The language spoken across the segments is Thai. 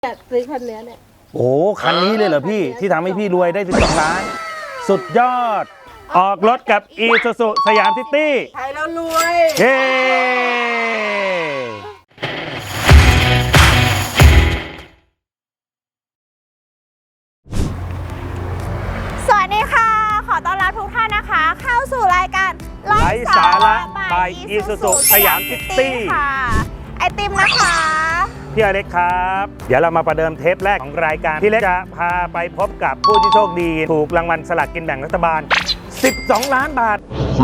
อยากซื้อคันนี้เนี่ยโอ้คันนี้เลยเหรอพี่ที่ทำให้พี่รวยได้12 ล้านสุดยอดออกรถกับอีซูซูสยามซิตี้ใช้แล้วรวยเย้สวัสดีค่ะขอต้อนรับทุกท่านนะคะเข้าสู่รายการไร้สาระ by อีซูซูสยามซิตี้ค่ะไอติมนะคะพี่อเล็กครับเดี๋ยวเรามาประเดิมเทปแรกของรายการพี่เล็กจะพาไปพบกับผู้ที่โชคดีถูกรางวัลสลากกินแบ่งรัฐบาล12 ล้านบาท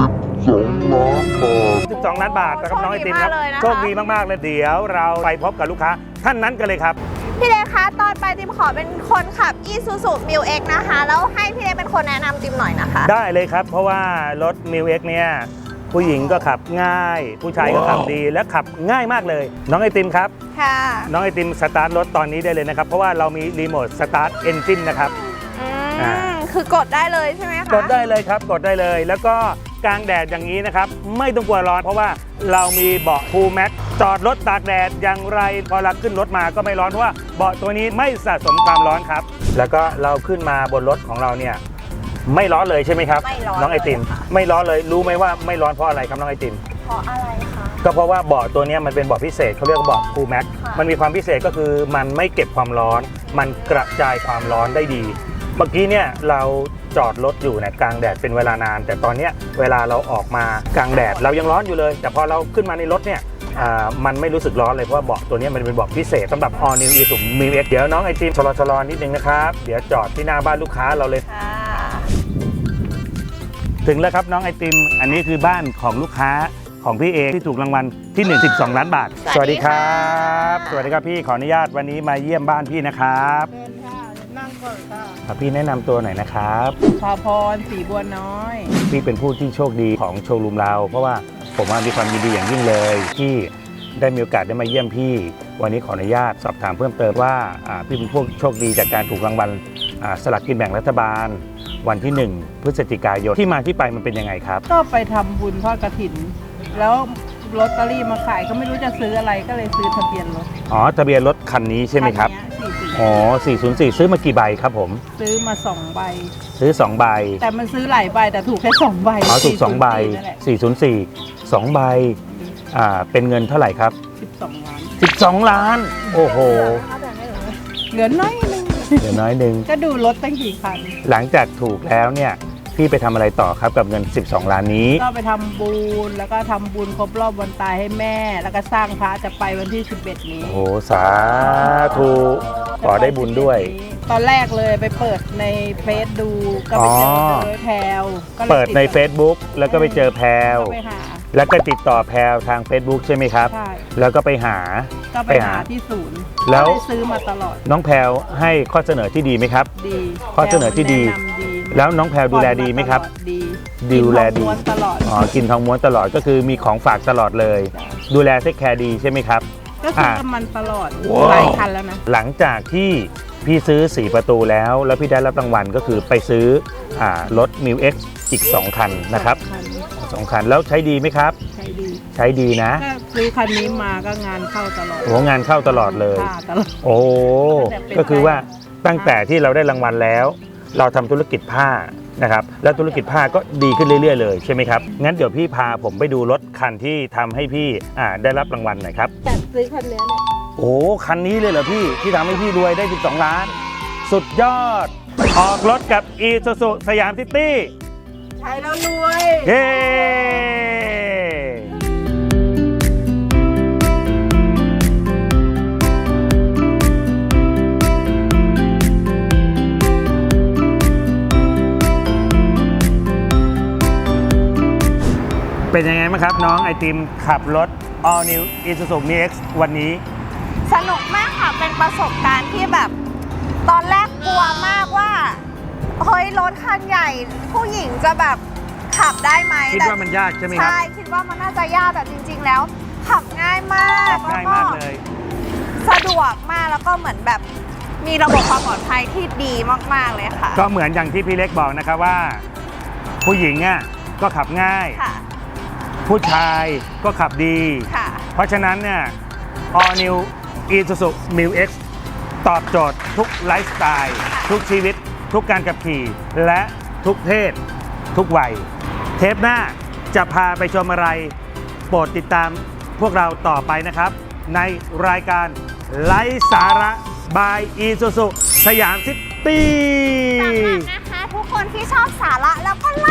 12 ล้านบาทนะครับน้องไอติมครับโชคดีมากๆเลยเดี๋ยวเราไปพบกับลูกค้าท่านนั้นกันเลยครับพี่เล็กคะตอนไปติมขอเป็นคนขับ Isuzu Mu-X นะคะแล้วให้พี่เล็กเป็นคนแนะนำติมหน่อยนะคะได้เลยครับเพราะว่ารถ Mu-X เนี่ยผู้หญิงก็ขับง่ายผู้ชายก็ขับดีและขับง่ายมากเลยน้องไอติมครับค่ะน้องไอติมสตาร์ทรถตอนนี้ได้เลยนะครับเพราะว่าเรามีรีโมทสตาร์ทเอนจินนะครับคือกดได้เลยใช่ไหมคะกดได้เลยครับกดได้เลยแล้วก็กลางแดดอย่างนี้นะครับไม่ต้องกลัวร้อนเพราะว่าเรามีเบาะคูลแม็กจอดรถตากแดดอย่างไรพอเราขึ้นรถมาก็ไม่ร้อนเพราะว่าเบาะตัวนี้ไม่สะสมความร้อนครับแล้วก็เราขึ้นมาบนรถของเราเนี่ยไม่ร้อนเลยใช่ไหมครับน้องไอติมไม่ร้อนเลยรู้ไหมว่าไม่ร้อนเพราะอะไรครับน้องไอติมเพราะอะไรคะก็เพราะว่าเบาะตัวนี้มันเป็นเบาะพิเศษเขาเรียกว่าเบาะคูลแม็กมันมีความพิเศษก็คือมันไม่เก็บความร้อนมันกระจายความร้อนได้ดีเมื่อกี้เนี่ยเราจอดรถอยู่ในกลางแดดเป็นเวลานานแต่ตอนนี้เวลาเราออกมากลางแดดเรายังร้อนอยู่เลยแต่พอเราขึ้นมาในรถเนี่ยมันไม่รู้สึกร้อนเลยเพราะว่าเบาะตัวนี้มันเป็นเบาะพิเศษสำหรับ All New Isuzu Mu-X เดี๋ยวน้องไอติมชะลอนิดนึงนะครับเดี๋ยวจอดที่หน้าบ้านลูกค้าเราเลยถึงแล้วครับน้องไอติมอันนี้คือบ้านของลูกค้าของพี่เอที่ถูกรางวัลที่12 ล้านบาทสวัสดีครับสวัสดีครับพี่ขออนุญาตวันนี้มาเยี่ยมบ้านพี่นะครับเชิญค่ะนั่งก่อนค่ะพี่แนะนำตัวหน่อยนะครับพาพรสีบัวน้อยพี่เป็นผู้ที่โชคดีของโชว์รูมเราเพราะว่าผมมีความยินดีอย่างยิ่งเลยที่ได้มีโอกาสได้มาเยี่ยมพี่วันนี้ขออนุญาตสอบถามเพิ่มเติมว่าพี่เป็นผู้โชคดีจากการถูกรางวัลสลากกินแบ่งรัฐบาลวันที่1 พฤศจิกายนที่มาที่ไปมันเป็นยังไงครับก็ไปทำบุญทอดกฐินแล้วลอตเตอรี่มาขายก็ไม่รู้จะซื้ออะไรก็เลยซื้อทะเบียนรถทะเบียนรถคันนี้ใช่ไหมครับ404ซื้อมากี่ใบครับผมซื้อมา2ใบซื้อ2ใบแต่มันซื้อหลายใบแต่ถูกแค่2ใบถูก2ใบ404 2ใบเป็นเงินเท่าไหร่ครับ12 ล้านโอ้โหเหลือน้อยนึงก็ดูรถตั้งกี่คันหลังจากถูกแล้วเนี่ยพี่ไปทำอะไรต่อครับกับเงิน12 ล้านนี้ก็ไปทำบุญแล้วก็ทำบุญครบรอบวันตายให้แม่แล้วก็สร้างพระจะไปวันที่11นี้โอ้สาธุขอได้บุญด้วยตอนแรกเลยไปเปิดในเฟซดูก็ไปเจอแพลวเปิดใน Facebook แล้วก็ไปเจอแพลวแล้วก็ติดต่อแพลวทาง Facebook ใช่ไหมครับใช่แล้วก็ไปหาที่ศูนย์แล้วซื้อมาตลอดน้องแพลวให้ข้อเสนอที่ดีไหมครับดีข้อเสนอที่ดีแล้วน้องแพลวดูแลดีไหมครับดีดูแลดีตลอดกินทองม้วนตลอดก็คือมีของฝากตลอดเลยดูแลเทคแคร์ดีใช่ไหมครับก็ซื้อกับมันตลอดหลายคันแล้วนะหลังจากที่พี่ซื้อ4ประตูแล้วพี่ได้รับรางวัลก็คือไปซื้อรถ Mu-X อีก2คันนะครับ2คันแล้วใช้ดีไหมครับใช้ดีนะซื้อคันนี้มาก็งานเข้าตลอดโอ้งานเข้าตลอดเลยโอ้ก็คือว่าตั้งแต่ที่เราได้รางวัลแล้วเราทำธุรกิจผ้านะครับแล้วธุรกิจผ้าก็ดีขึ้นเรื่อยๆเลยใช่ไหมครับงั้นเดี๋ยวพี่พาผมไปดูรถคันที่ทำให้พี่ได้รับรางวัลหน่อยครับอยากซื้อคันนี้เนี่ยโอ้คันนี้เลยเหรอพี่ที่ทำให้พี่รวยได้12 ล้านสุดยอดออกรถกับ Isuzu สยามซิตี้ใช้แล้วรวยเย้เป็นยังไงบ้างครับน้องไอติมขับรถ All New Isuzu Mu-X วันนี้สนุกมากค่ะเป็นประสบการณ์ที่แบบตอนแรกกลัวมากว่าเฮ้ยรถคันใหญ่ผู้หญิงจะแบบขับได้ไหมคิดว่ามันยากใช่ไหมครับใช่คิดว่ามันน่าจะยากแต่จริงๆแล้วขับง่ายมากง่ายมากเลยสะดวกมากแล้วก็เหมือนแบบมีระบบความปลอดภัยที่ดีมากๆเลยค่ะก็เหมือนอย่างที่พี่เล็กบอกนะครับว่าผู้หญิงก็ขับง่ายผู้ชายก็ขับดีเพราะฉะนั้นเนี่ย All New Isuzu Mu-X ตอบโจทย์ทุกไลฟ์สไตล์ทุกชีวิต ทุกการขับขี่และทุกเพศทุกวัยเทปหน้าจะพาไปชมอะไรโปรดติดตามพวกเราต่อไปนะครับ ในรายการไลฟ์สาระบายอีซูซูสยามซิตี้สำหรับนะคะทุกคนที่ชอบสาระแล้วก็ไล